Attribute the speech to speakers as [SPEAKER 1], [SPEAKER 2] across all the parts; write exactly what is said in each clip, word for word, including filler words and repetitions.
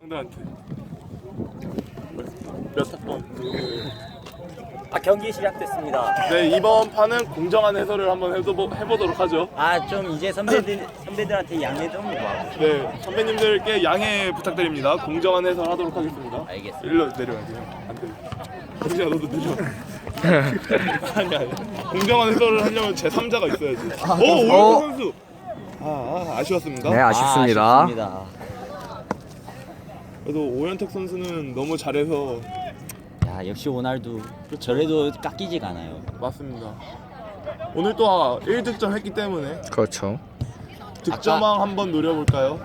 [SPEAKER 1] 형들한테 몇 번?
[SPEAKER 2] 아 경기 시작됐습니다.
[SPEAKER 1] 네, 이번 판은 공정한 해설을 한번 해보, 해보도록 하죠.
[SPEAKER 2] 아 좀 이제 선배들 선배들한테 양해 좀 봐.
[SPEAKER 1] 네, 선배님들께 양해 부탁드립니다. 공정한 해설 하도록 하겠습니다.
[SPEAKER 2] 알겠습니다.
[SPEAKER 1] 일로 내려야 돼요. 안 돼. 정신아 너도 내려. 아니 아니. 공정한 해설을 하려면 제삼자가 있어야지. 오, 오영태
[SPEAKER 3] 어.
[SPEAKER 1] 선수. 아, 아 아쉬웠습니다.
[SPEAKER 3] 네, 아쉽습니다.
[SPEAKER 2] 아, 아쉽습니다.
[SPEAKER 1] 그래도 오현택 선수는 너무 잘해서
[SPEAKER 2] 야 역시 호날두 저래도 깎이지가 않아요.
[SPEAKER 1] 맞습니다. 오늘 또 일 득점 했기 때문에
[SPEAKER 3] 그렇죠.
[SPEAKER 1] 득점왕 한번 노려볼까요?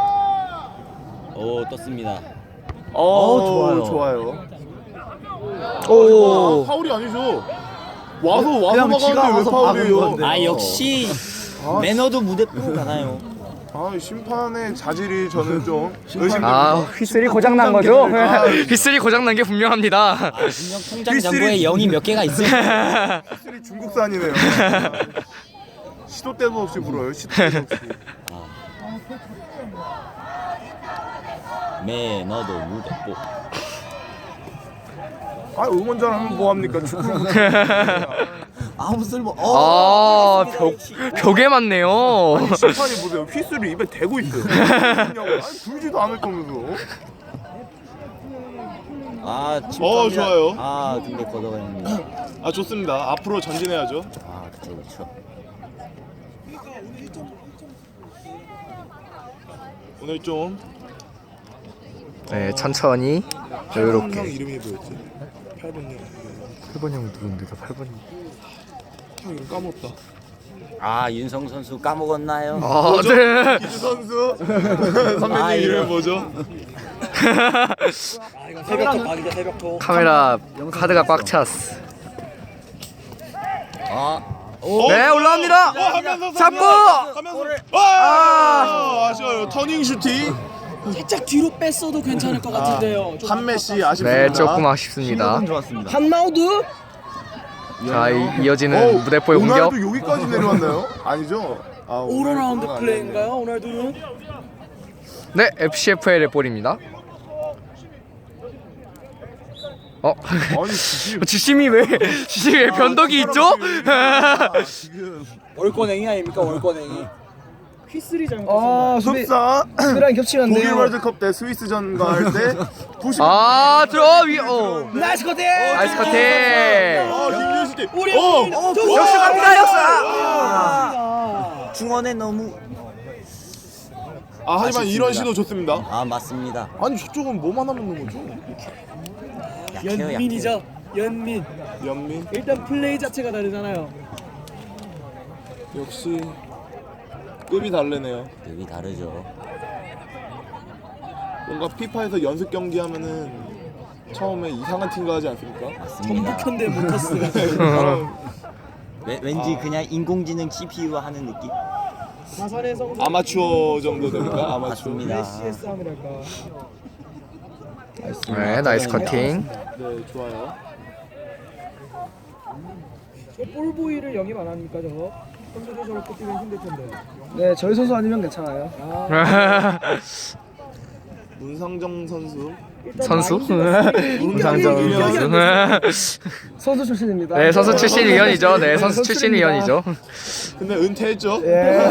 [SPEAKER 2] 오 떴습니다.
[SPEAKER 1] 어,
[SPEAKER 2] 어, 좋아요.
[SPEAKER 1] 좋아요.
[SPEAKER 3] 오.
[SPEAKER 1] 아, 파울이 아니죠. 와서 와서
[SPEAKER 3] 그냥 지가
[SPEAKER 1] 막았는데 왜
[SPEAKER 3] 와서
[SPEAKER 1] 파울이에요?
[SPEAKER 3] 막은 건데.
[SPEAKER 2] 아 역시
[SPEAKER 1] 아,
[SPEAKER 2] 매너도 무대포 가나요.
[SPEAKER 1] 아, 심판의 자질이 저는 좀 의심.
[SPEAKER 3] 아, 휘슬이 고장 난 거죠?
[SPEAKER 1] 아,
[SPEAKER 3] 휘슬이 고장 난 게 분명합니다.
[SPEAKER 2] 아 분명 통장 잔고에 영이 몇 개가 있어요.
[SPEAKER 1] 확실히 중국산이네요. 시도 때도 없이 불어요. 시도 때도 없이.
[SPEAKER 2] 매너도 무대포.
[SPEAKER 1] 아, 응원전 하면 뭐 합니까? 축구.
[SPEAKER 2] 아무 쓸모.
[SPEAKER 3] 아, 벽, 벽에 맞네요.
[SPEAKER 1] 심판이 보세요. 휘슬이 입에 대고 있어요. 아니, 불지도 않을 거면서.
[SPEAKER 2] 아
[SPEAKER 1] 어, 좋아요.
[SPEAKER 2] 아 근데 걷어가는데.
[SPEAKER 1] 아, 좋습니다. 앞으로 전진해야죠.
[SPEAKER 2] 아 그쵸 그쵸.
[SPEAKER 1] 오늘 좀
[SPEAKER 3] 네, 천천히
[SPEAKER 1] 형
[SPEAKER 3] 여유롭게.
[SPEAKER 1] 이름이 뭐였지? 팔 번 형.
[SPEAKER 3] 팔 번 형 누군데? 팔 번.
[SPEAKER 1] 형 이름 까먹었다.
[SPEAKER 2] 아 윤성 선수 까먹었나요?
[SPEAKER 3] 아,
[SPEAKER 1] 뭐죠?
[SPEAKER 3] 네.
[SPEAKER 1] 기주 선수. 선배님
[SPEAKER 2] 아,
[SPEAKER 1] 이름이
[SPEAKER 2] 이거.
[SPEAKER 1] 뭐죠?
[SPEAKER 2] 새벽토 각이다 새벽토.
[SPEAKER 3] 카메라 카드가 꽉 찼어.
[SPEAKER 2] 아
[SPEAKER 1] 어,
[SPEAKER 3] 네, 올라옵니다.
[SPEAKER 1] 어, 하면서
[SPEAKER 3] 잡고!
[SPEAKER 1] 하면서. 와!
[SPEAKER 3] 아!
[SPEAKER 1] 아쉬워요. 터닝 슈팅.
[SPEAKER 4] 살짝 뒤로 뺐어도 괜찮을 것 같은데요. 좀
[SPEAKER 1] 한메시 아쉽습니다.
[SPEAKER 3] 네, 조금 아쉽습니다.
[SPEAKER 2] 좋았습니다.
[SPEAKER 4] 한마우드?
[SPEAKER 3] 자, 이, 이어지는
[SPEAKER 1] 어,
[SPEAKER 3] 무대포의 공격.
[SPEAKER 1] 오날도 여기까지 내려왔나요? 아니죠? 아,
[SPEAKER 4] 오로라운드
[SPEAKER 1] 오날도는
[SPEAKER 4] 플레이인가요? 오늘도는?
[SPEAKER 3] 네, 에프씨에프엘의 볼입니다. 어?
[SPEAKER 1] 아니 지금
[SPEAKER 3] 지심이 왜 지심이 왜 변덕이 있죠?
[SPEAKER 1] 지금
[SPEAKER 4] 월권행이 아닙니까? 월권행이. 휘슬이 잘못했습니다.
[SPEAKER 5] 아, 수비
[SPEAKER 1] 흡사
[SPEAKER 5] 수비랑 겹치면 안
[SPEAKER 1] 독일
[SPEAKER 5] 돼요.
[SPEAKER 1] 월드컵 때 스위스전과 할때 구십
[SPEAKER 3] 아, 들어 위. 어.
[SPEAKER 5] 나이스 커팅!
[SPEAKER 3] 나이스 커팅.
[SPEAKER 1] 아, 김유시
[SPEAKER 4] 우리
[SPEAKER 1] 어!
[SPEAKER 4] 어,
[SPEAKER 3] 역시 갑니다, 역시.
[SPEAKER 4] 아,
[SPEAKER 2] 중원에 너무.
[SPEAKER 1] 아, 하지만 이런
[SPEAKER 2] 아쉽습니다.
[SPEAKER 1] 시도 좋습니다.
[SPEAKER 2] 아 맞습니다.
[SPEAKER 1] 아니, 저쪽은 뭐만 하면 되는 거죠?
[SPEAKER 2] 약해요 약해.
[SPEAKER 4] 연민이죠. 연민.
[SPEAKER 1] 연민
[SPEAKER 4] 일단 플레이 자체가 다르잖아요.
[SPEAKER 1] 역시 급이 다르네요.
[SPEAKER 2] 급이 다르죠.
[SPEAKER 1] 뭔가 피파에서 연습 경기 하면은 처음에 이상한 팀과 하지 않습니까?
[SPEAKER 2] 맞습니다.
[SPEAKER 4] 전북현대 모터스.
[SPEAKER 2] 왜, 왠지 그냥 인공지능 씨피유 하는 느낌.
[SPEAKER 4] 가산의 성공.
[SPEAKER 1] 아마추어 정도 됩니까? 아마추어.
[SPEAKER 2] 맞습니다.
[SPEAKER 4] 메시의 싸움이랄까.
[SPEAKER 3] 네, 나이스 커팅.
[SPEAKER 1] 네, 좋아요.
[SPEAKER 4] 저 볼보이를 영입 안 합니까 저거? 선수들 저렇게 뛰면 힘들 텐데.
[SPEAKER 5] 네, 저희 선수 아니면 괜찮아요.
[SPEAKER 4] 아,
[SPEAKER 1] 문상정 선수.
[SPEAKER 4] 일단
[SPEAKER 3] 선수?
[SPEAKER 4] 마인드가
[SPEAKER 3] 문상정
[SPEAKER 4] 인격이 안
[SPEAKER 3] 선수.
[SPEAKER 5] 선수 출신입니다.
[SPEAKER 3] 네, 선수 출신 위원이죠. 네, 선수 출신 위원이죠.
[SPEAKER 1] 근데 은퇴했죠?
[SPEAKER 5] 예.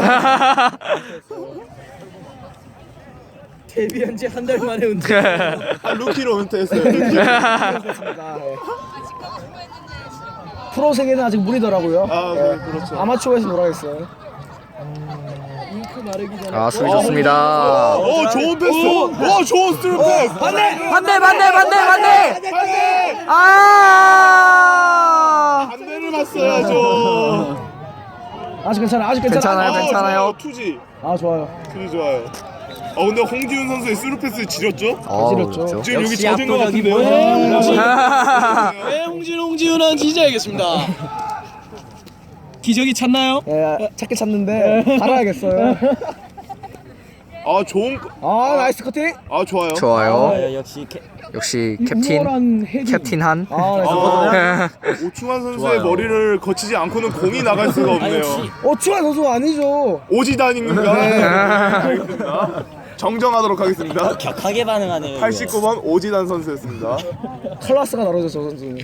[SPEAKER 4] 데뷔한 지 한 달 만에 은퇴.
[SPEAKER 1] 아, 루키로 은퇴했어요. 루키로.
[SPEAKER 5] 그렇습니다. 예. 프로 세계는 아직 무리더라고요.
[SPEAKER 1] 아, 네, 그렇죠.
[SPEAKER 5] 아마추어에서 놀아야겠어요.
[SPEAKER 4] 잉크 마르기 전에.
[SPEAKER 3] 아, 수비 좋습니다.
[SPEAKER 1] 어, 좋은 패스. 어, 좋은 스루 패스.
[SPEAKER 5] 반대!
[SPEAKER 3] 반대, 반대, 반대, 반대.
[SPEAKER 1] 반대.
[SPEAKER 3] 아!
[SPEAKER 1] 반대를 봤어야죠.
[SPEAKER 5] 아직 괜찮아, 아직 괜찮아.
[SPEAKER 3] 괜찮아요,
[SPEAKER 1] 어,
[SPEAKER 3] 괜찮아요.
[SPEAKER 1] 좋아요. 투지.
[SPEAKER 5] 아, 좋아요.
[SPEAKER 1] 투지 좋아요. 어, 근데 홍지훈 선수의 스루 패스 지렸죠?
[SPEAKER 3] 어,
[SPEAKER 5] 지렸죠.
[SPEAKER 3] 그렇죠.
[SPEAKER 1] 지금 여기
[SPEAKER 2] 역시
[SPEAKER 1] 젖은 것
[SPEAKER 2] 압도적인
[SPEAKER 1] 같은데요?
[SPEAKER 4] 모습.
[SPEAKER 3] 아,
[SPEAKER 4] 왜 홍진 홍지훈은 지져야겠습니다. 기적이 찼나요?
[SPEAKER 5] 예, 찾긴 찾는데 갈아야겠어요.
[SPEAKER 1] 아, 좋은.
[SPEAKER 5] 아, 나이스 커팅!
[SPEAKER 1] 아, 좋아요.
[SPEAKER 3] 좋아요.
[SPEAKER 2] 아, 역시 캐...
[SPEAKER 3] 역시 캡틴
[SPEAKER 5] 우월한 헤딩.
[SPEAKER 3] 캡틴 한.
[SPEAKER 5] 아, 나이스.
[SPEAKER 1] 아, 오충환 선수의
[SPEAKER 2] 좋아요.
[SPEAKER 1] 머리를 거치지 않고는 공이 나갈 수가
[SPEAKER 2] 아
[SPEAKER 1] 없네요.
[SPEAKER 2] 역시
[SPEAKER 5] 어, 추가 선수가 아니죠.
[SPEAKER 1] 오지단인가?
[SPEAKER 5] 네.
[SPEAKER 1] 알겠습니다. 정정하도록 하겠습니다.
[SPEAKER 2] 격하게 반응하네요. 이거.
[SPEAKER 1] 팔십구 번 오지단 선수였습니다.
[SPEAKER 5] 클라스가 다르죠 저 선수는.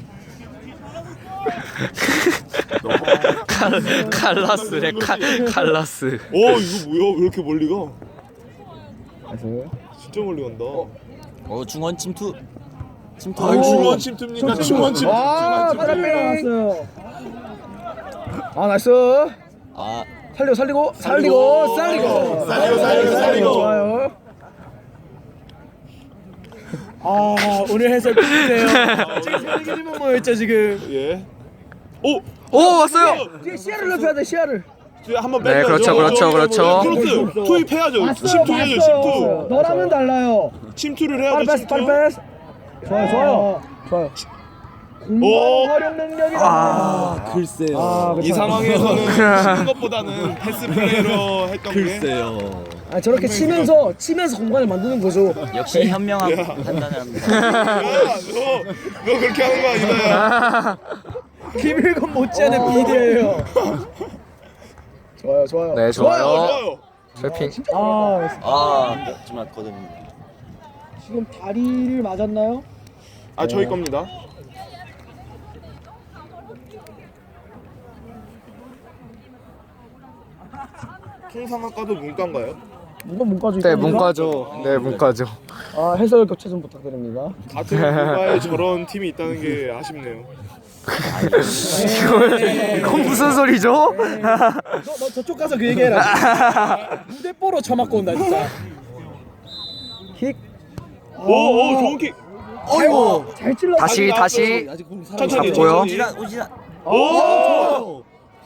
[SPEAKER 3] 칼 칼라스래 칼 칼라스.
[SPEAKER 1] 오 이거 뭐야? 왜 이렇게 멀리 가?
[SPEAKER 5] 그래서
[SPEAKER 1] 진짜 멀리 간다.
[SPEAKER 2] 어 중원 침투. 침투.
[SPEAKER 1] 아 중원 침투입니까? 중원 침투.
[SPEAKER 5] 아
[SPEAKER 1] 중원
[SPEAKER 5] 빨리
[SPEAKER 1] 침투.
[SPEAKER 4] 나왔어요.
[SPEAKER 5] 아 나이스.
[SPEAKER 2] 아
[SPEAKER 5] 살리고 살리고 살리고 살리고
[SPEAKER 1] 살리고 살리고 살리고.
[SPEAKER 5] 좋아요.
[SPEAKER 4] 아 오늘 해설 끝이네요. 지금 세계지만 모였죠 지금.
[SPEAKER 1] 예. 오.
[SPEAKER 3] 오 왔어요.
[SPEAKER 5] 뒤에 시야를 넓혀야 돼 시야를.
[SPEAKER 1] 한번
[SPEAKER 3] 네,
[SPEAKER 1] 빼줘야죠.
[SPEAKER 3] 그렇죠, 그렇죠,
[SPEAKER 1] 어,
[SPEAKER 3] 그렇죠.
[SPEAKER 1] 크로스 투입해야죠. 침투해야죠. 침투.
[SPEAKER 4] 너라면 달라요.
[SPEAKER 1] 침투를
[SPEAKER 5] 빨리
[SPEAKER 1] 해야죠.
[SPEAKER 5] 패스 빨리
[SPEAKER 1] 침투.
[SPEAKER 5] 패스. 좋아요 좋아요 좋아요.
[SPEAKER 1] 오.
[SPEAKER 4] 활용 능력이다.
[SPEAKER 2] 아, 글쎄요.
[SPEAKER 5] 아,
[SPEAKER 1] 이 상황에서는 치는 것보다는 패스 플레이로 했던 게.
[SPEAKER 2] 글쎄요.
[SPEAKER 5] 아 저렇게 치면서 치면서 공간을 만드는 거죠.
[SPEAKER 2] 역시 현명한 판단을 합니다.
[SPEAKER 1] 야, 너, 너 그렇게 하는 거 아니다. 야.
[SPEAKER 4] 김일건 못지않은 비디예요.
[SPEAKER 5] 좋아요 좋아요.
[SPEAKER 3] 네
[SPEAKER 1] 어,
[SPEAKER 3] 좋아요.
[SPEAKER 1] 좋아요.
[SPEAKER 3] 쇠핑.
[SPEAKER 4] 아
[SPEAKER 2] 아 하지만 거듭니다.
[SPEAKER 4] 지금 다리를 맞았나요?
[SPEAKER 1] 아 저희 겁니다. 통상학과도 문과인가요?
[SPEAKER 5] 문과 문과죠.
[SPEAKER 3] 네 문과죠. 네 문과죠.
[SPEAKER 5] 아 해설 교체 좀 부탁드립니다.
[SPEAKER 1] 같은 문과에 저런 팀이 있다는 게 아쉽네요.
[SPEAKER 3] 이건 무슨 소리죠?
[SPEAKER 4] 너, 너 저쪽 가서 그 얘기해라. 무대뽀로 쳐맞고 온다 진짜.
[SPEAKER 5] 킥.
[SPEAKER 1] 오, 오 좋은 킥.
[SPEAKER 5] 어이구 잘 찔러.
[SPEAKER 3] 다시 다시.
[SPEAKER 1] 천천히
[SPEAKER 3] 잡고요.
[SPEAKER 1] 천천히.
[SPEAKER 2] 오지란 오지란.
[SPEAKER 1] 오.
[SPEAKER 5] 오.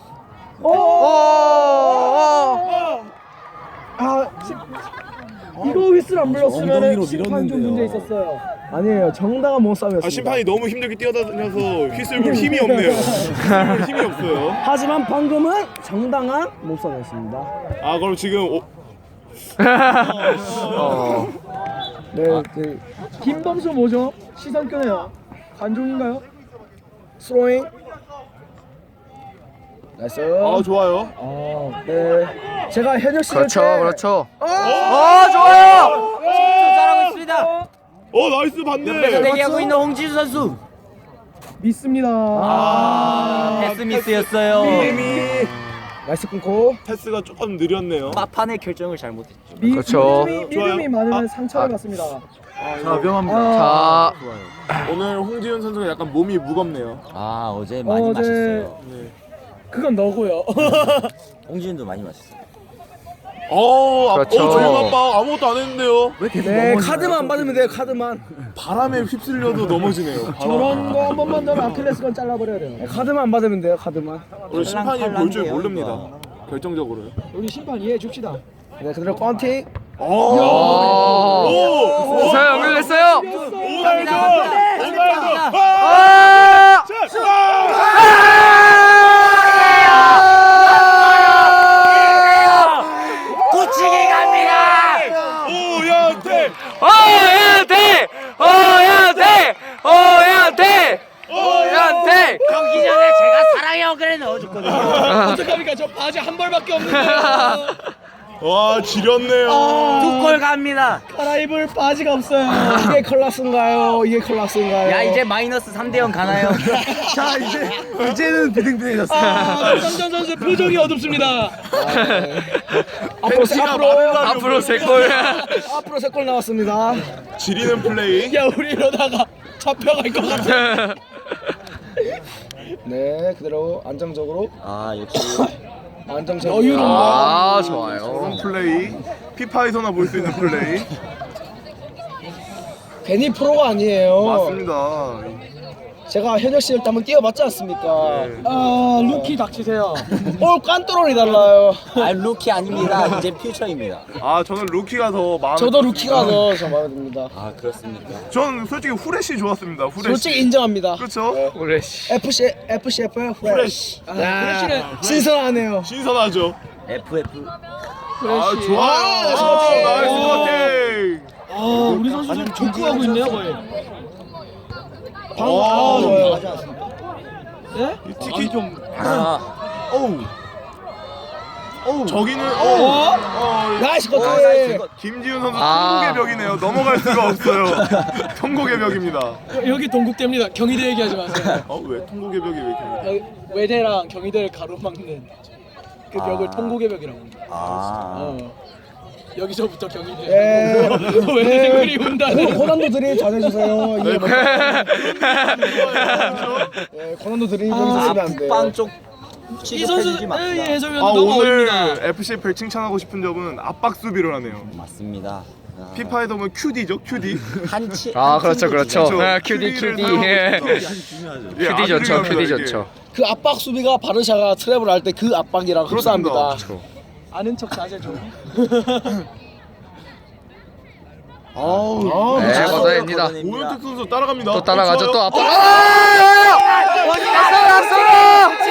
[SPEAKER 4] 아 시, 이거 휘슬 안 불렀으면 심판 좀 문제 있었어요.
[SPEAKER 5] 아니에요 정당한 몸싸움이었습니다.
[SPEAKER 1] 아 심판이 너무 힘들게 뛰어다녀서 휘슬 불 힘이 없네요. 휘슬 불 힘이 없어요.
[SPEAKER 5] 하지만 방금은 정당한 몸싸움이었습니다.
[SPEAKER 1] 아 그럼 지금 오,
[SPEAKER 3] 어.
[SPEAKER 5] 네, 그
[SPEAKER 4] 김범수 뭐죠? 시선 끄네요. 관중인가요?
[SPEAKER 5] 스로잉. 나이스.
[SPEAKER 1] 아 좋아요.
[SPEAKER 5] 아, 네. 제가 현역 시절
[SPEAKER 3] 그렇죠
[SPEAKER 5] 때
[SPEAKER 3] 그렇죠.
[SPEAKER 5] 어!
[SPEAKER 3] 어 좋아요.
[SPEAKER 2] 잘하고 있습니다.
[SPEAKER 1] 어 나이스 반대.
[SPEAKER 2] 대기하고 있는 홍지수 선수.
[SPEAKER 4] 믿습니다.
[SPEAKER 2] 아 패스 미스였어요.
[SPEAKER 5] 나이스 끊고.
[SPEAKER 1] 패스가 조금 느렸네요.
[SPEAKER 2] 막판의 결정을 잘못했죠.
[SPEAKER 4] 미,
[SPEAKER 3] 그렇죠.
[SPEAKER 4] 믿음이,
[SPEAKER 1] 좋아요.
[SPEAKER 4] 믿음이 많으면
[SPEAKER 1] 아,
[SPEAKER 4] 상처를
[SPEAKER 3] 아.
[SPEAKER 4] 받습니다.
[SPEAKER 2] 자 위험합니다.
[SPEAKER 3] 자
[SPEAKER 1] 오늘 홍지윤 선수가 약간 몸이 무겁네요.
[SPEAKER 2] 아 어제 많이
[SPEAKER 4] 어제-
[SPEAKER 2] 마셨어요.
[SPEAKER 1] 네.
[SPEAKER 4] 그건 너고요.
[SPEAKER 2] 홍지윤도 많이 마셨어요.
[SPEAKER 1] 어, 아,
[SPEAKER 3] 그렇죠.
[SPEAKER 1] 어, 조용 아빠 아무것도 안 했는데요.
[SPEAKER 5] 네, 카드만 받으면 돼요. 카드만.
[SPEAKER 1] 바람에 휩쓸려도 넘어지네요. 바람.
[SPEAKER 4] 저런 거 한 번만 더면 아킬레스건 잘라버려야 돼요.
[SPEAKER 5] 네, 카드만 받으면 돼요. 카드만.
[SPEAKER 1] 우리 심판이 볼 줄
[SPEAKER 2] 탈랑탈랑해요,
[SPEAKER 1] 모릅니다.
[SPEAKER 2] 이거.
[SPEAKER 1] 결정적으로요.
[SPEAKER 4] 우리 심판 이해해 줍시다.
[SPEAKER 5] 네, 그대로 꽝팅.
[SPEAKER 1] 오,
[SPEAKER 3] 오.
[SPEAKER 1] 오,
[SPEAKER 3] 자 연결됐어요.
[SPEAKER 1] 오날도, 오날도,
[SPEAKER 3] 아!
[SPEAKER 2] 고치기 갑니다.
[SPEAKER 1] 오연태,
[SPEAKER 3] 오연태! 오연태! 오연태! 오연태!
[SPEAKER 2] 경기 전에 제가 사랑의 그래 넣어줬거든요.
[SPEAKER 4] 어떡합니까? 저 바지 한 벌밖에 없는데요.
[SPEAKER 1] 와 지렸네요.
[SPEAKER 2] 두 골 갑니다.
[SPEAKER 4] 갈아입을 바지가 없어요.
[SPEAKER 5] 이게 클라스인가요? 이게 클라스인가요?
[SPEAKER 2] 야 이제 마이너스 삼 대 영 가나요?
[SPEAKER 5] 자, 이제 이제는 비등비등해졌어요.
[SPEAKER 4] 아, 박상전 선수 표정이 어둡습니다.
[SPEAKER 5] 앞으로 세, 앞으로
[SPEAKER 3] 앞으로 세 골.
[SPEAKER 5] 앞으로 세 골 나왔습니다.
[SPEAKER 1] 지리는 플레이.
[SPEAKER 4] 야, 우리 이러다가 잡혀갈 것 같아.
[SPEAKER 5] 네, 그대로 안정적으로
[SPEAKER 2] 아 역시
[SPEAKER 5] 안정적으로.
[SPEAKER 4] 여유로운
[SPEAKER 3] 아
[SPEAKER 1] 그런
[SPEAKER 3] 좋아요.
[SPEAKER 1] 플레이. 피파에서나 볼 수 있는 플레이.
[SPEAKER 5] 괜히 프로가 아니에요.
[SPEAKER 1] 맞습니다.
[SPEAKER 5] 제가 현역 시절 때 한번 뛰어봤지 않습니까?
[SPEAKER 4] 아, 루키 닥치세요.
[SPEAKER 5] 볼 깐또롤이 달라요.
[SPEAKER 2] 아 루키 아닙니다. 이제 퓨처입니다.
[SPEAKER 1] 아 저는 루키가 더 마음에.
[SPEAKER 5] 저도 루키가 더 저 마음에 듭니다.
[SPEAKER 2] 아 그렇습니까?
[SPEAKER 1] 전 솔직히 후레쉬 좋았습니다. 후레쉬.
[SPEAKER 5] 솔직히 인정합니다.
[SPEAKER 1] 그렇죠.
[SPEAKER 3] 오레시.
[SPEAKER 5] 에프씨 에프씨에프의 후레쉬.
[SPEAKER 4] 후레쉬는
[SPEAKER 5] 신선하네요.
[SPEAKER 1] 신선하죠.
[SPEAKER 2] 에프에프.
[SPEAKER 1] 아 좋아요. 아, 나이스 커팅.
[SPEAKER 4] 아, 우리 선수 좀 족구하고 있네요, 거의.
[SPEAKER 5] 방금
[SPEAKER 1] 아,
[SPEAKER 5] 아, 좋아요.
[SPEAKER 4] 예?
[SPEAKER 1] 이 티키 좀.
[SPEAKER 2] 아
[SPEAKER 1] 어우. 저기는 어, 어,
[SPEAKER 5] 나이스
[SPEAKER 2] 아, 나이스
[SPEAKER 5] 커트.
[SPEAKER 2] 컷.
[SPEAKER 1] 김지훈 선수
[SPEAKER 3] 아.
[SPEAKER 1] 통곡의 벽이네요. 넘어갈 수가 없어요. 통곡의 벽입니다.
[SPEAKER 4] 여기 동국대입니다. 경희대 얘기하지 마세요.
[SPEAKER 1] 어 왜 통곡의 벽이 왜 이렇게?
[SPEAKER 4] 여기 외대랑 경희대를 가로막는 그 벽을
[SPEAKER 2] 아.
[SPEAKER 4] 통곡의 벽이라고 합니다.
[SPEAKER 2] 아.
[SPEAKER 4] 어. 여기서부터 경희대.
[SPEAKER 5] 예.
[SPEAKER 4] 외대생들이 온다는.
[SPEAKER 5] 고- 고난도 드림 잘해주세요.
[SPEAKER 1] 네,
[SPEAKER 5] 예,
[SPEAKER 1] 그렇죠?
[SPEAKER 5] 예, 고난도 드림
[SPEAKER 4] 아,
[SPEAKER 5] 여기서
[SPEAKER 2] 아,
[SPEAKER 5] 쓰면 안 돼요.
[SPEAKER 2] 푸빵 쪽
[SPEAKER 4] 이 선수
[SPEAKER 2] 취급해주지 맙시다.
[SPEAKER 4] 예, 해설위원
[SPEAKER 1] 아
[SPEAKER 4] 너무
[SPEAKER 1] 오늘
[SPEAKER 4] 어립니다.
[SPEAKER 1] 에프씨에프를 칭찬하고 싶은 점은 압박 수비를 하네요.
[SPEAKER 2] 맞습니다. 아,
[SPEAKER 1] 피파에 보면 큐디죠, 큐디.
[SPEAKER 2] 한치.
[SPEAKER 3] 아 그렇죠 그렇죠.
[SPEAKER 1] 그렇죠.
[SPEAKER 3] 아, 큐디
[SPEAKER 1] 큐디를
[SPEAKER 3] 큐디.
[SPEAKER 1] 사용하고
[SPEAKER 3] 예.
[SPEAKER 1] 있다.
[SPEAKER 2] 중요하죠.
[SPEAKER 1] 예,
[SPEAKER 3] 큐디
[SPEAKER 1] 아주
[SPEAKER 3] 좋죠
[SPEAKER 1] 중요합니다,
[SPEAKER 3] 큐디
[SPEAKER 1] 이게.
[SPEAKER 3] 좋죠.
[SPEAKER 5] 그 압박 수비가 바르샤가 트랩을 할 때 그 압박이랑
[SPEAKER 1] 그렇습니다.
[SPEAKER 5] 흡사합니다.
[SPEAKER 4] 아는 척 자제 좀.
[SPEAKER 5] 아우,
[SPEAKER 3] 네
[SPEAKER 5] 미쳤어.
[SPEAKER 3] 걷어냅니다.
[SPEAKER 1] 오현택 선수 따라갑니다.
[SPEAKER 3] 또 따라가죠
[SPEAKER 1] 어,
[SPEAKER 3] 또
[SPEAKER 1] 좋아요.
[SPEAKER 3] 앞으로. 아! 났어 났어.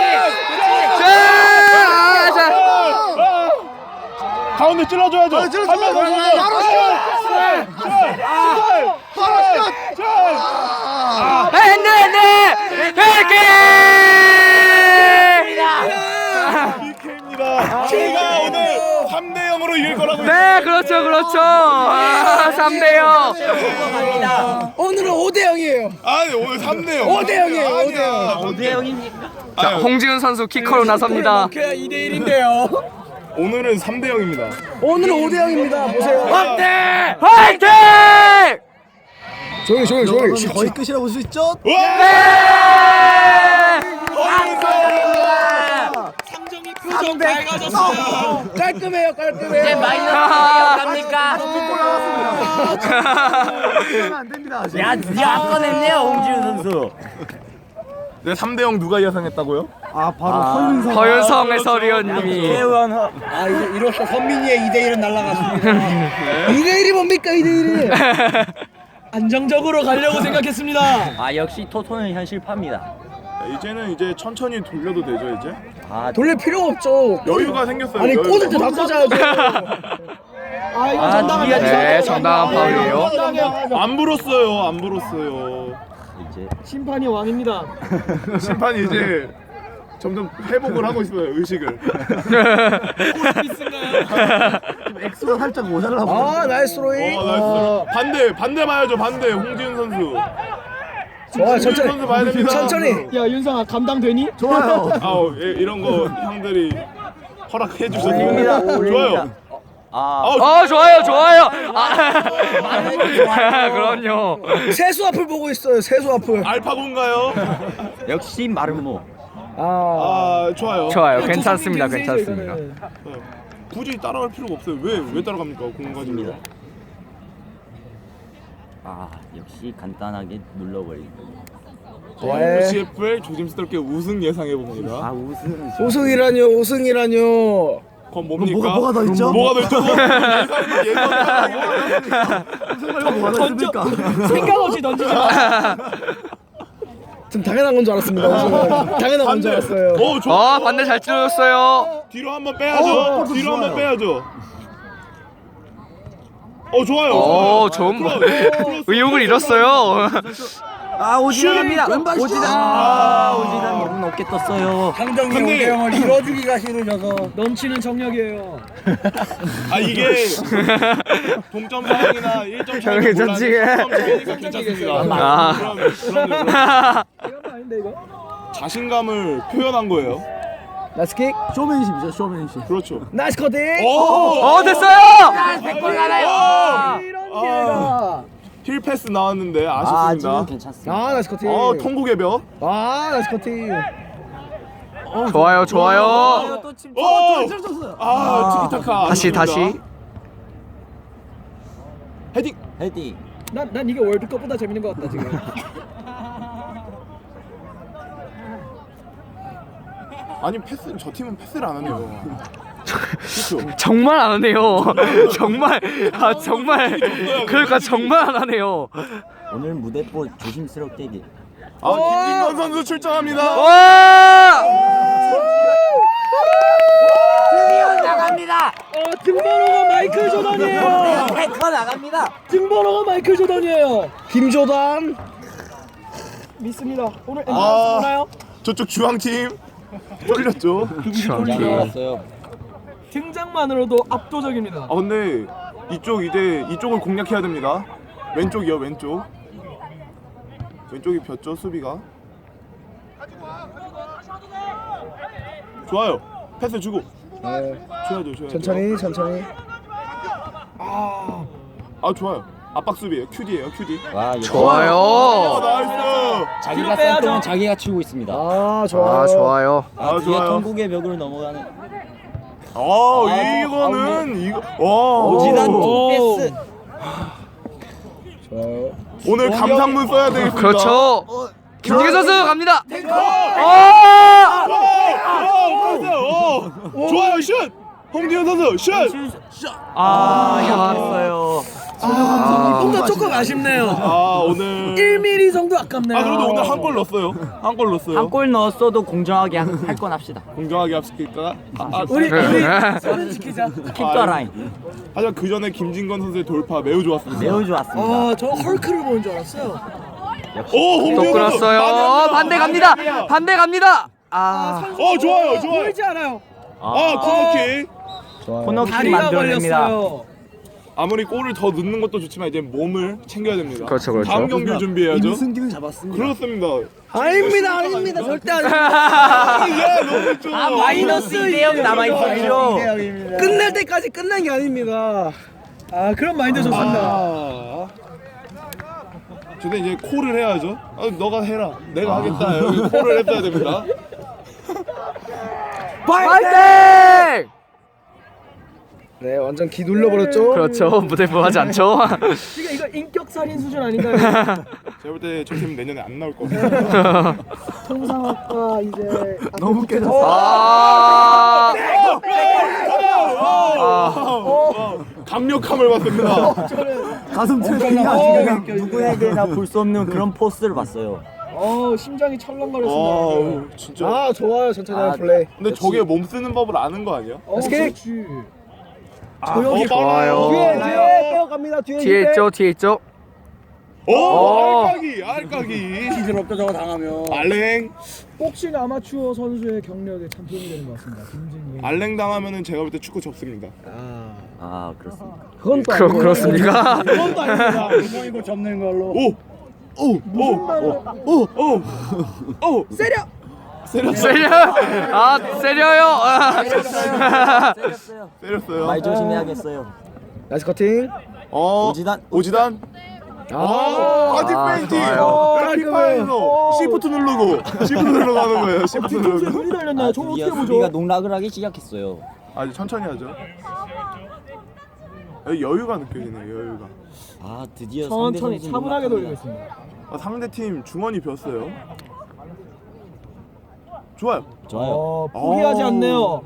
[SPEAKER 3] 자, 자.
[SPEAKER 1] 가운데 찔러줘야죠. 아, 찔러줘. 바로
[SPEAKER 3] 네네 백개.
[SPEAKER 1] 피케이입니다. 제가 오늘 삼 대 영으로 이길 거라고.
[SPEAKER 3] 네 그렇죠 그렇죠. 아, 삼 대 영.
[SPEAKER 5] 오늘은 오 대 영이에요.
[SPEAKER 1] 아니 오늘 삼 대 영.
[SPEAKER 5] 오 대 영이에요, 오 대 영.
[SPEAKER 2] 오 대 영입니까?
[SPEAKER 3] 자 홍지훈 선수 키커로 나섭니다.
[SPEAKER 4] 그냥 이 대 일인데요.
[SPEAKER 1] 오늘은 삼 대 영입니다.
[SPEAKER 5] 오늘은 오 대 영입니다. 보세요.
[SPEAKER 3] 네 화이팅!
[SPEAKER 5] 조용히 조용히 조용히. 거의 끝이라고 볼 수 있죠?
[SPEAKER 3] 네!
[SPEAKER 4] 삼정이 표정 밝아졌어요.
[SPEAKER 5] 깔끔해요, 깔끔해요.
[SPEAKER 3] 갑니까?
[SPEAKER 2] 야, 드디어 꺼냈네요, 홍지훈 선수.
[SPEAKER 1] 네, 삼 대 영 누가 예상했다고요?
[SPEAKER 3] 허윤성 해설위원님이
[SPEAKER 2] 태원 허.
[SPEAKER 5] 아, 이제 이로써 선민이의 이 대 일은 날아갔습니다. 이 대 일이 뭡니까, 이 대 일이?
[SPEAKER 4] 안정적으로 가려고 생각했습니다.
[SPEAKER 2] 아, 역시 토토는 현실파입니다.
[SPEAKER 1] 이제는 이제 천천히 돌려도 되죠 이제?
[SPEAKER 2] 아,
[SPEAKER 5] 돌릴 필요가 없죠.
[SPEAKER 1] 여유가 생겼어요.
[SPEAKER 5] 아니,
[SPEAKER 1] 여유가.
[SPEAKER 5] 꽂을 때 다 꽂아야죠.
[SPEAKER 4] 아 이거
[SPEAKER 2] 아,
[SPEAKER 4] 정당한
[SPEAKER 2] 드디어
[SPEAKER 3] 네 정당한 파울이에요.
[SPEAKER 1] 안 불었어요. 안 불었어요.
[SPEAKER 2] 이제
[SPEAKER 4] 심판이 왕입니다.
[SPEAKER 1] 심판이 이제 점점 회복을 하고 있어요. 의식을.
[SPEAKER 5] 엑스가 살짝 모자라. 아, 나이스 로이.
[SPEAKER 1] 어, 나이스. 반대 반대 봐야죠. 반대 홍지훈 선수.
[SPEAKER 5] 좋아요,
[SPEAKER 1] 홍지훈
[SPEAKER 5] 천천히.
[SPEAKER 1] 선수 봐야 됩니다.
[SPEAKER 5] 천천히.
[SPEAKER 4] 야 윤상아 감당되니?
[SPEAKER 5] 좋아요.
[SPEAKER 1] 아우 예, 이런 거 형들이 허락해 주셔서
[SPEAKER 2] 올립니다.
[SPEAKER 1] 좋아요.
[SPEAKER 2] 올립니다. 아,
[SPEAKER 1] 아우,
[SPEAKER 3] 어 좋아요 좋아요. 아 그럼요.
[SPEAKER 5] 세수 앞을 보고 있어요. 세수 앞을.
[SPEAKER 1] 알파고인가요?
[SPEAKER 2] 역시 마르모.
[SPEAKER 5] 아,
[SPEAKER 1] 아 좋아요.
[SPEAKER 3] 좋아요 괜찮습니다 괜찮습니다.
[SPEAKER 1] 네. 굳이 따라갈 필요가 없어요. 왜 왜 따라갑니까? 공 가지고.
[SPEAKER 2] 아, 역시 간단하게 눌러버리고.
[SPEAKER 5] 네.
[SPEAKER 1] 에프씨에프의 조심스럽게 우승 예상해 봅니다.
[SPEAKER 2] 아, 우승.
[SPEAKER 5] 우승이라뇨, 우승이라뇨.
[SPEAKER 1] 그건 뭡니까?
[SPEAKER 5] 뭐가- 뭐가 더 있죠?
[SPEAKER 1] 뭐가 더 있죠? 예상 예상.
[SPEAKER 4] 던져 생각 없이 던지지 마.
[SPEAKER 5] 좀 당연한 건 줄 알았습니다. 우승은. 당연한 건 줄 알았어요.
[SPEAKER 1] 오 좋아.
[SPEAKER 3] 어 반대 잘 찔러줬어요.
[SPEAKER 1] 뒤로 한번 빼야죠. 뒤로 한번 빼야죠. 어 좋아요.
[SPEAKER 3] 오 좋은 거. 의욕을 잃었어요.
[SPEAKER 2] 아, 오지단입니다.
[SPEAKER 1] 왼발
[SPEAKER 2] 오지단.
[SPEAKER 1] 슛!
[SPEAKER 2] 아, 오지단 너무 높게 떴어요.
[SPEAKER 5] 강정이
[SPEAKER 1] 근데-
[SPEAKER 5] 오 대 영을 이뤄주기가 싫으셔서.
[SPEAKER 4] 넘치는 정력이에요.
[SPEAKER 1] 아 이게 동점 상황이나 일 점 차이
[SPEAKER 3] 저기 전직에.
[SPEAKER 1] 괜찮습니다.
[SPEAKER 3] 아.
[SPEAKER 1] 그럼 그럼요.
[SPEAKER 4] 이건 거 아닌데 이거?
[SPEAKER 1] 자신감을 표현한 거예요.
[SPEAKER 5] 나이스 킥. 쇼맨십이죠, 쇼맨십.
[SPEAKER 1] 그렇죠.
[SPEAKER 5] 나이스 커팅.
[SPEAKER 1] 오!
[SPEAKER 3] 어 됐어요.
[SPEAKER 1] 백골 가나요?
[SPEAKER 5] 이런
[SPEAKER 1] 아.
[SPEAKER 5] 기회가.
[SPEAKER 1] 힐 패스 나왔는데
[SPEAKER 2] 아,
[SPEAKER 1] 아쉽습니다.
[SPEAKER 2] 지금 괜찮습니다.
[SPEAKER 5] 아, 나이스 커팅.
[SPEAKER 1] 어 통곡의 벽.
[SPEAKER 5] 아, 나이스 커팅.
[SPEAKER 3] 좋아요 좋아요.
[SPEAKER 1] 오! 아 티키타카.
[SPEAKER 3] 다시
[SPEAKER 1] 아쉽습니다.
[SPEAKER 3] 다시.
[SPEAKER 1] 헤딩.
[SPEAKER 2] 헤딩.
[SPEAKER 4] 난, 난 이게 월드컵보다 재밌는 것 같다 지금.
[SPEAKER 1] 아니 패스 저 팀은 패스를 안 하네요. 그렇죠.
[SPEAKER 3] 정말 안 하네요. 정말 아 정말 그러니까 정말 안 하네요.
[SPEAKER 2] 오늘 무대뽀 조심스럽게. 기-
[SPEAKER 1] 아 김진건 선수 출전합니다.
[SPEAKER 3] 와!
[SPEAKER 2] 나갑니다.
[SPEAKER 4] 어 등번호가 마이클 조던이에요.
[SPEAKER 2] 태커 나갑니다.
[SPEAKER 4] 등번호가 마이클 조던이에요.
[SPEAKER 5] 김조단.
[SPEAKER 4] 믿습니다. 오늘
[SPEAKER 1] 아.
[SPEAKER 4] 엠바스 보나요?
[SPEAKER 1] 저쪽 주황 팀 쫄렸죠.
[SPEAKER 2] 잘 나갔어요.
[SPEAKER 4] 등장만으로도 압도적입니다.
[SPEAKER 1] 아 근데 이쪽 이제 이쪽을 공략해야 됩니다. 왼쪽이요 왼쪽. 왼쪽이 폈죠 수비가. 좋아요. 패스 주고.
[SPEAKER 5] 네.
[SPEAKER 1] 줘야죠 줘야죠.
[SPEAKER 5] 천천히 천천히.
[SPEAKER 1] 아, 아 좋아요. 압박 수비예요. 큐디예요 큐디.
[SPEAKER 2] 와 역시
[SPEAKER 1] 아
[SPEAKER 3] 좋아요.
[SPEAKER 1] 나이스.
[SPEAKER 2] 자기가
[SPEAKER 4] 빼야죠.
[SPEAKER 2] 쌀 동안 자기가 치우고 있습니다.
[SPEAKER 5] 아 좋아요.
[SPEAKER 3] 아 좋아요.
[SPEAKER 2] 아,
[SPEAKER 1] 아,
[SPEAKER 2] 뒤에
[SPEAKER 1] 좋아요.
[SPEAKER 2] 통곡의 벽을 넘어가는
[SPEAKER 1] 아 이거는 이거 와
[SPEAKER 2] 오지단
[SPEAKER 1] 오.
[SPEAKER 2] 패스.
[SPEAKER 5] 좋아요.
[SPEAKER 1] 오늘 감상문 써야 되겠습니다.
[SPEAKER 3] 그렇죠. 김지기 선수 갑니다. 어!
[SPEAKER 1] 어, 어, 좋아요 슛. 홍지현 선수 슛.
[SPEAKER 2] 아 약했어요.
[SPEAKER 4] 뭔가 조금 아쉽네요.
[SPEAKER 1] 아 오늘
[SPEAKER 4] 일 밀리미터 정도 아깝네요.
[SPEAKER 1] 아 그래도 오늘 한 골 넣었어요. 한 골 넣었어요.
[SPEAKER 2] 한 골 넣었어도 공정하게 할 건 합시다.
[SPEAKER 1] 공정하게 합시킬까? 아, 아,
[SPEAKER 4] 우리
[SPEAKER 3] 네.
[SPEAKER 4] 우리 서른 지키자.
[SPEAKER 2] 킥과 라인
[SPEAKER 1] 하지만 그 전에 김진건 선수의 돌파 매우 좋았습니다.
[SPEAKER 2] 매우 좋았습니다.
[SPEAKER 4] 아, 저 헐크를 보는 줄 알았어요.
[SPEAKER 1] 오
[SPEAKER 3] 또
[SPEAKER 1] 홍지현 선수
[SPEAKER 3] 끊었어요.
[SPEAKER 1] 많이
[SPEAKER 3] 반대
[SPEAKER 1] 합니다.
[SPEAKER 3] 갑니다. 반대 갑니다. 아
[SPEAKER 1] 어 좋아요 좋아요.
[SPEAKER 4] 보이지 않아요.
[SPEAKER 1] 아 코너킥.
[SPEAKER 5] 좋아요.
[SPEAKER 2] 코너킥
[SPEAKER 4] 다리가
[SPEAKER 2] 만들어냅니다.
[SPEAKER 4] 걸렸어요.
[SPEAKER 1] 아무리 골을 더 넣는 것도 좋지만 이제 몸을 챙겨야 됩니다.
[SPEAKER 3] 그렇죠, 그렇죠.
[SPEAKER 1] 다음 경기를 준비해야죠.
[SPEAKER 5] 이승기는 잡았습니다.
[SPEAKER 1] 그렇습니다.
[SPEAKER 4] 아닙니다, 아닙니다, 절대 아닙니다.
[SPEAKER 1] 예, 너무 좋아.
[SPEAKER 2] 아 마이너스 이 대 영 남아 있었죠.
[SPEAKER 4] 끝날 때까지 끝난 게 아닙니다. 아, 그런 마인드 좋습니다.
[SPEAKER 1] 아. 근데 이제 콜을 해야죠. 아, 너가 해라. 내가 하겠다. 여기 콜을 했어야 됩니다.
[SPEAKER 3] 파이팅!
[SPEAKER 5] 네, 완전 기 눌러버렸죠.
[SPEAKER 3] 그렇죠. 무대부하지 않죠.
[SPEAKER 4] 지금 이거 인격 살인 수준 아닌가요?
[SPEAKER 1] 제가 볼 때 저 팀 내년에 안 나올 것 같아요.
[SPEAKER 4] 통상학과 이제
[SPEAKER 5] 너무 깨졌어.
[SPEAKER 3] 아,
[SPEAKER 1] 강력함을 봤습니다.
[SPEAKER 5] 가슴
[SPEAKER 2] 그냥
[SPEAKER 5] 찔리냐.
[SPEAKER 2] 누구에게나 볼 수 없는 그런 포스를 봤어요.
[SPEAKER 4] 어, 심장이 철렁거렸습니다.
[SPEAKER 1] 아, 진짜.
[SPEAKER 5] 아 좋아요. 천천히 하는
[SPEAKER 2] 아,
[SPEAKER 5] 플레이.
[SPEAKER 1] 근데 저게 몸 쓰는 법을 아는 거 아니야?
[SPEAKER 4] 어,
[SPEAKER 5] 스케이트.
[SPEAKER 4] 그렇지.
[SPEAKER 1] 아,
[SPEAKER 3] 좋아요.
[SPEAKER 5] 뒤에 뒤에 빼어갑니다. 뒤에
[SPEAKER 3] 뒤에 있죠. 뒤에 있죠.
[SPEAKER 1] 오,
[SPEAKER 3] 어.
[SPEAKER 1] 알까기, 알까기.
[SPEAKER 5] 기술없죠 저거 당하면.
[SPEAKER 1] 알랭,
[SPEAKER 4] 복싱 아마추어 선수의 경력에 참 도움이 되는 것 같습니다. 김진기.
[SPEAKER 1] 알랭 당하면은 제가 볼 때 축구 접습니다.
[SPEAKER 5] 아
[SPEAKER 2] 아 그렇습니다.
[SPEAKER 5] 그건 또
[SPEAKER 3] 그,
[SPEAKER 5] 아니고.
[SPEAKER 3] 그렇습니까?
[SPEAKER 5] 그건 또 아닙니다. 이거 접는 걸로.
[SPEAKER 1] 오, 오, 오, 오, 오, 오.
[SPEAKER 4] 세려.
[SPEAKER 1] 세렸어요.
[SPEAKER 3] 세려. 아, 세려요. 아.
[SPEAKER 2] 때렸어요.
[SPEAKER 1] 때렸어요.
[SPEAKER 2] 말 조심해야겠어요.
[SPEAKER 5] 나이스 커팅.
[SPEAKER 1] 어,
[SPEAKER 2] 오지단.
[SPEAKER 1] 오지단. 아, 바디
[SPEAKER 3] 아,
[SPEAKER 1] 페인팅.
[SPEAKER 3] 좋아요.
[SPEAKER 1] 피파에서 시프트 누르고 시프트 누르고 하는 거예요. 시프트
[SPEAKER 4] 뒤통수에
[SPEAKER 1] 누르고.
[SPEAKER 4] 물이 달렸나요?
[SPEAKER 2] 아,
[SPEAKER 4] 저거
[SPEAKER 2] 드디어
[SPEAKER 4] 어떻게
[SPEAKER 2] 수비가
[SPEAKER 4] 보죠?
[SPEAKER 2] 농락을 하기 시작했어요.
[SPEAKER 1] 아주 천천히 하죠. 여기 여유가 느껴지네요. 여유가.
[SPEAKER 2] 아 드디어 상대
[SPEAKER 4] 천천히
[SPEAKER 2] 선수
[SPEAKER 4] 차분하게
[SPEAKER 2] 농락합니다.
[SPEAKER 4] 돌리고 있습니다.
[SPEAKER 1] 아, 상대 팀 중원이 비었어요. 좋아요.
[SPEAKER 2] 좋아요.
[SPEAKER 4] 어, 포기하지
[SPEAKER 1] 어.
[SPEAKER 4] 않네요.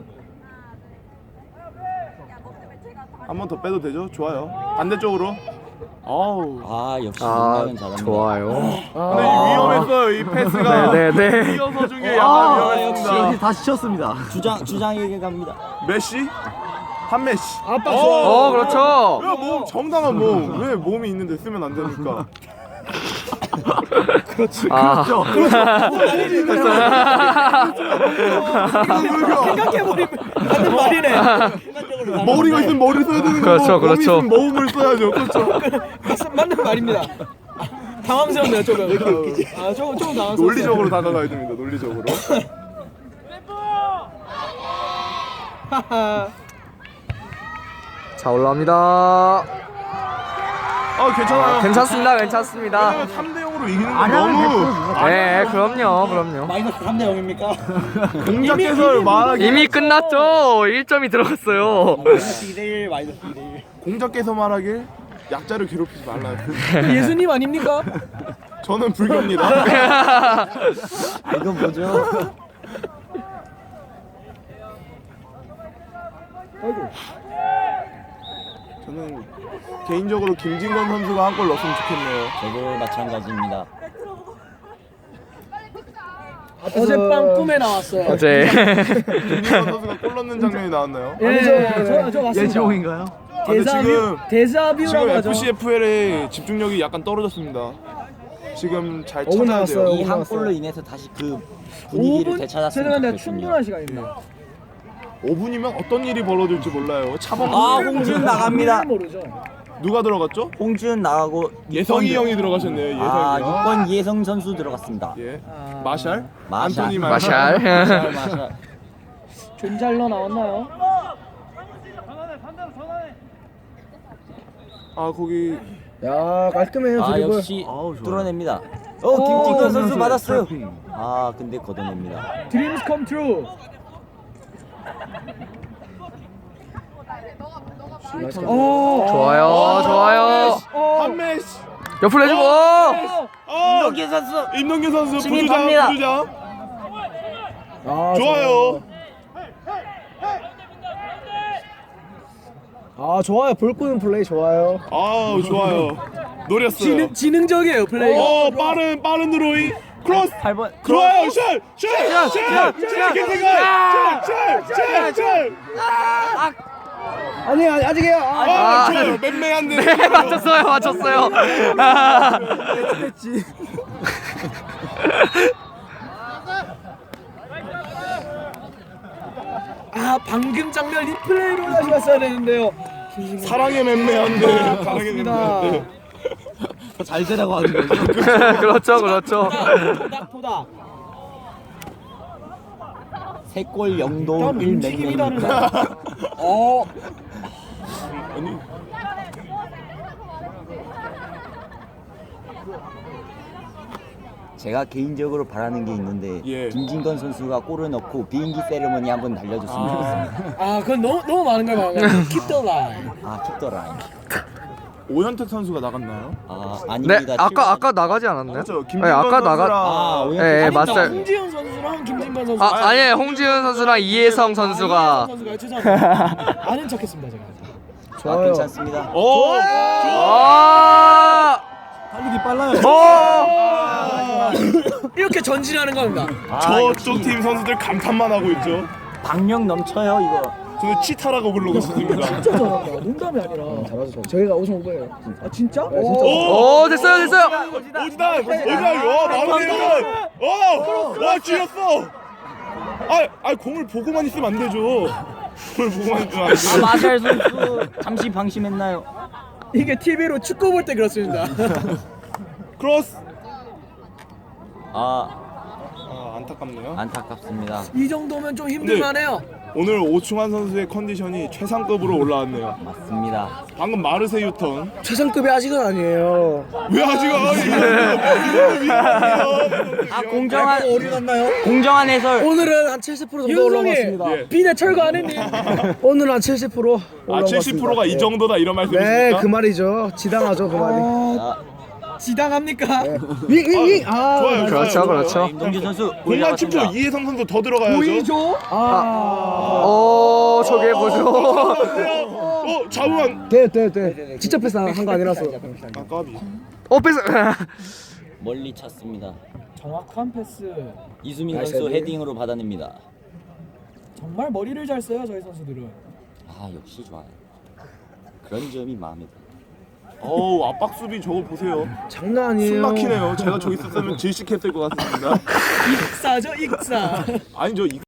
[SPEAKER 1] 한 번 더 빼도 되죠? 좋아요. 반대쪽으로. 아우.
[SPEAKER 2] 아 역시
[SPEAKER 3] 아,
[SPEAKER 2] 농락은 잘합니다.
[SPEAKER 3] 좋아요.
[SPEAKER 1] 근데 위험했어요. 이 패스가.
[SPEAKER 3] 네, 네, 네.
[SPEAKER 1] 뛰어서 중에 약간 위험했습니다.
[SPEAKER 5] 다시 쳤습니다.
[SPEAKER 2] 주장 주장에게 갑니다.
[SPEAKER 1] 메시? 한 메시.
[SPEAKER 4] 아빠
[SPEAKER 3] 어, 그렇죠.
[SPEAKER 1] 왜 몸 정당한 몸. 왜 몸이 있는데 쓰면 안 됩니까?
[SPEAKER 3] 아,
[SPEAKER 4] 생각해보면 맞는 말이네.
[SPEAKER 1] 머리가 있으면 머리 써야 되는 거고
[SPEAKER 3] 그렇죠,
[SPEAKER 1] 몸이
[SPEAKER 3] 그렇죠.
[SPEAKER 1] 있으면 몸을 써야죠. 그렇죠.
[SPEAKER 4] 맞- 맞는 말입니다. 당황스럽네요 조금. 아 조금 조금 당황스러워요.
[SPEAKER 1] 논리적으로 다가가야 됩니다. 논리적으로.
[SPEAKER 4] 하하.
[SPEAKER 3] 자, 올라옵니다.
[SPEAKER 1] 아 괜찮아요.
[SPEAKER 3] 괜찮습니다. 괜찮습니다.
[SPEAKER 1] 왜냐면 삼 대 영으로 이기는 건 너무
[SPEAKER 3] 네, 그럼요. 그럼요.
[SPEAKER 5] 마이너스 삼 대 영입니까?
[SPEAKER 1] 공작 개설 말하기
[SPEAKER 3] 이미 끝났죠. 일 점이 들어갔어요.
[SPEAKER 5] 마이너스 이 대 일, 마이너스 이 대 일.
[SPEAKER 1] 공작 개설 말하길 약자를 괴롭히지 말라.
[SPEAKER 4] 예수님 아닙니까?
[SPEAKER 1] 저는 불교입니다.
[SPEAKER 2] 아 이건 뭐죠?
[SPEAKER 4] 아이고.
[SPEAKER 1] 저는 개인적으로 김진건 선수가 한 골 넣었으면 좋겠네요.
[SPEAKER 2] 저도 마찬가지입니다.
[SPEAKER 4] 어젯밤 꿈에 나왔어요.
[SPEAKER 3] 어제
[SPEAKER 1] 김진건 선수가 골 넣는 장면이 나왔나요?
[SPEAKER 4] 예, 저, 저 맞습니다.
[SPEAKER 5] 예지홍인가요?
[SPEAKER 1] 아, 근데
[SPEAKER 4] 데자뷰,
[SPEAKER 1] 지금
[SPEAKER 4] 데자뷰라고
[SPEAKER 1] 지금
[SPEAKER 4] 하죠.
[SPEAKER 1] 에프씨에프엘의 집중력이 약간 떨어졌습니다. 지금 잘
[SPEAKER 5] 오 분
[SPEAKER 1] 찾아야 돼요.
[SPEAKER 5] 남았어요.
[SPEAKER 2] 이 한
[SPEAKER 5] 나왔어요.
[SPEAKER 2] 골로 인해서 다시 그 분위기를
[SPEAKER 4] 오 분
[SPEAKER 2] 되찾았으면
[SPEAKER 4] 죄송한데
[SPEAKER 2] 좋겠군요.
[SPEAKER 4] 충분한 시간입니다.
[SPEAKER 1] 오 분이면 어떤 일이 벌어질지 몰라요. 차범
[SPEAKER 2] 아 홍지훈 나갑니다.
[SPEAKER 4] 모르죠.
[SPEAKER 1] 누가 들어갔죠?
[SPEAKER 2] 홍지훈 나가고
[SPEAKER 1] 예성이
[SPEAKER 2] 육 번
[SPEAKER 1] 형이 들어가셨네요. 예성이
[SPEAKER 2] 아
[SPEAKER 1] 형.
[SPEAKER 2] 육 번 예성 선수 들어갔습니다.
[SPEAKER 1] 예.
[SPEAKER 4] 아,
[SPEAKER 1] 마샬?
[SPEAKER 2] 마샬.
[SPEAKER 1] 안토니
[SPEAKER 3] 마샬.
[SPEAKER 2] 마샬 마샬.
[SPEAKER 4] 존잘러 나왔나요?
[SPEAKER 1] 아 거기
[SPEAKER 5] 야 깔끔해요
[SPEAKER 2] 아
[SPEAKER 5] 드리블.
[SPEAKER 2] 역시
[SPEAKER 1] 아우, 좋아요.
[SPEAKER 2] 뚫어냅니다. 어 김진건 선수
[SPEAKER 5] 선수의
[SPEAKER 2] 받았어요.
[SPEAKER 5] 트래핑.
[SPEAKER 2] 아 근데 걷어냅니다.
[SPEAKER 4] 드림스 컴 트루. 오.
[SPEAKER 3] 좋아요, 좋아요.
[SPEAKER 1] 한 메시.
[SPEAKER 3] 옆으로 해주고.
[SPEAKER 1] 아
[SPEAKER 2] 임동규 선수.
[SPEAKER 1] 임동규 선수 부주장
[SPEAKER 2] 진입합니다.
[SPEAKER 1] 부주장.
[SPEAKER 5] 아,
[SPEAKER 1] 좋아요.
[SPEAKER 5] 아 좋아요 볼 끄는 플레이 좋아요.
[SPEAKER 1] 아우 좋아요. 노렸어요.
[SPEAKER 4] 지능 지능적이에요 플레이가.
[SPEAKER 1] 어 빠른 빠른 드로잉. 크로스.
[SPEAKER 2] 팔 번.
[SPEAKER 1] 좋아요. 슛! 슛! 슛! 슛! 김태관! 슛! 슛! 슛! 슛!
[SPEAKER 5] 아니 아니 아직이에요. 아,
[SPEAKER 1] 아,
[SPEAKER 3] 아,
[SPEAKER 1] 좋아요. 맴매한데.
[SPEAKER 3] 네, 맞췄어요, 맞췄어요. 아,
[SPEAKER 5] 됐지.
[SPEAKER 4] 아 방금 장면 리플레이로 다시 봤어야 되는데요.
[SPEAKER 1] 사랑의 맴매한데. 사랑의 맴매한데.
[SPEAKER 2] 잘 되라고 하는 거죠.
[SPEAKER 3] 그렇죠, 그렇죠.
[SPEAKER 4] 토닥 토닥.
[SPEAKER 2] 세골 영도
[SPEAKER 4] 일단
[SPEAKER 2] 일
[SPEAKER 4] 움직임이
[SPEAKER 2] 맹맹.
[SPEAKER 4] 다르네. 어.
[SPEAKER 1] 아니
[SPEAKER 2] 제가 개인적으로 바라는 게 있는데
[SPEAKER 1] 예.
[SPEAKER 2] 김진건 선수가 골을 넣고 비행기 세레머니 한번 날려줬으면 좋겠습니다.
[SPEAKER 4] 아 그건 너무 너무 많은 걸 말하는 거야. Keep the line.
[SPEAKER 2] 아 킵더라인.
[SPEAKER 1] 오현택 선수가 나갔나요?
[SPEAKER 2] 아
[SPEAKER 3] 네,
[SPEAKER 2] 아닙니다.
[SPEAKER 3] 아까 아까 나가지 않았나요?
[SPEAKER 1] 그렇죠.
[SPEAKER 3] 네,
[SPEAKER 1] 김진건
[SPEAKER 3] 아까
[SPEAKER 1] 선수랑
[SPEAKER 3] 나가.
[SPEAKER 2] 아 오현.
[SPEAKER 3] 예, 예,
[SPEAKER 4] 아니,
[SPEAKER 3] 맞아요.
[SPEAKER 4] 홍지훈 선수랑 김진관 선수.
[SPEAKER 3] 아, 아니에요. 홍지훈 선수랑 이혜성 선수가.
[SPEAKER 4] 선수가 죄송합니다. 아는 척했습니다 제가.
[SPEAKER 2] 아
[SPEAKER 5] 좋아요.
[SPEAKER 2] 괜찮습니다.
[SPEAKER 1] 오!
[SPEAKER 3] 아!
[SPEAKER 5] 달리기 빨라요.
[SPEAKER 3] 어!
[SPEAKER 4] 이렇게 전진하는 겁니다.
[SPEAKER 2] 아,
[SPEAKER 1] 저쪽
[SPEAKER 2] 역시
[SPEAKER 1] 팀 선수들 감탄만 하고 있죠.
[SPEAKER 2] 박력 넘쳐요 이거.
[SPEAKER 1] 저는 치타라고 부르고 있습니다.
[SPEAKER 4] 진짜 잘한다. 농담이 아니라.
[SPEAKER 5] 잘하죠. 저희가 우승 후보예요.
[SPEAKER 4] 아 진짜?
[SPEAKER 5] 네, 진짜.
[SPEAKER 1] 오!
[SPEAKER 3] 오, 됐어요, 됐어요.
[SPEAKER 1] 오지단! 오지단! 와, 마무리해준! 어! 와, 쥐었어! 아, 아, 공을 보고만 있으면 안 되죠. 공을 보고만 있으면 안
[SPEAKER 2] 아
[SPEAKER 1] 돼.
[SPEAKER 2] 마샬 선수 잠시 방심했나요?
[SPEAKER 4] 이게 티비로 축구 볼 때 그렇습니다.
[SPEAKER 1] 크로스!
[SPEAKER 2] 아
[SPEAKER 1] 아, 안타깝네요.
[SPEAKER 2] 안타깝습니다.
[SPEAKER 4] 이 정도면 좀
[SPEAKER 1] 네.
[SPEAKER 4] 힘들만해요.
[SPEAKER 1] 오늘 오충환 선수의 컨디션이 최상급으로 올라왔네요.
[SPEAKER 2] 맞습니다.
[SPEAKER 1] 방금 마르세 유턴.
[SPEAKER 5] 최상급이 아직은 아니에요.
[SPEAKER 1] 왜 아직 아, 이거 위험해요.
[SPEAKER 2] 아 공정한
[SPEAKER 5] 어디 갔나요?
[SPEAKER 2] 공정한 해설.
[SPEAKER 5] 오늘은 한 칠십 퍼센트 정도
[SPEAKER 4] 윤성이
[SPEAKER 5] 올라갔습니다.
[SPEAKER 1] 예.
[SPEAKER 4] 비대 철거 안 했니?
[SPEAKER 5] 오늘은 한 칠십 퍼센트
[SPEAKER 1] 아,
[SPEAKER 5] 올라갔습니다.
[SPEAKER 1] 칠십 퍼센트가 이 정도다 이런
[SPEAKER 5] 네,
[SPEAKER 1] 말씀이십니까?
[SPEAKER 5] 그 말이죠. 지당하죠, 그 말이.
[SPEAKER 2] 아,
[SPEAKER 4] 지당합니까?
[SPEAKER 5] 윙윙윙. 아,
[SPEAKER 1] 좋아요.
[SPEAKER 3] 그렇죠,
[SPEAKER 1] 좋아요.
[SPEAKER 3] 그렇죠.
[SPEAKER 2] 임동규 선수
[SPEAKER 1] 공간 십 초
[SPEAKER 2] 올라갔습니다.
[SPEAKER 1] 이혜성 선수 더 들어가야죠.
[SPEAKER 4] 보이죠?
[SPEAKER 5] 아.
[SPEAKER 3] 오, 저게 뭐죠?
[SPEAKER 1] 어, 좌우한.
[SPEAKER 5] 돼, 돼, 돼. 직접 패스 한 거 아니라서.
[SPEAKER 1] 아, 까비.
[SPEAKER 3] 어, 뺏어.
[SPEAKER 2] 멀리 찼습니다.
[SPEAKER 4] 정확한 패스.
[SPEAKER 2] 이수민
[SPEAKER 5] 나이스
[SPEAKER 2] 선수
[SPEAKER 5] 헤딩.
[SPEAKER 2] 헤딩으로 받아냅니다.
[SPEAKER 4] 정말 머리를 잘 써요 저희 선수들은.
[SPEAKER 2] 아 역시 좋아요. 그런 점이 마음에 들어요.
[SPEAKER 1] 어우, 압박 수비 저거 보세요.
[SPEAKER 5] 장난 아니에요.
[SPEAKER 1] 숨 막히네요. 제가 저기 있었으면 질식했을 것 같습니다.
[SPEAKER 4] 익사죠 익사.
[SPEAKER 1] 아니죠. 이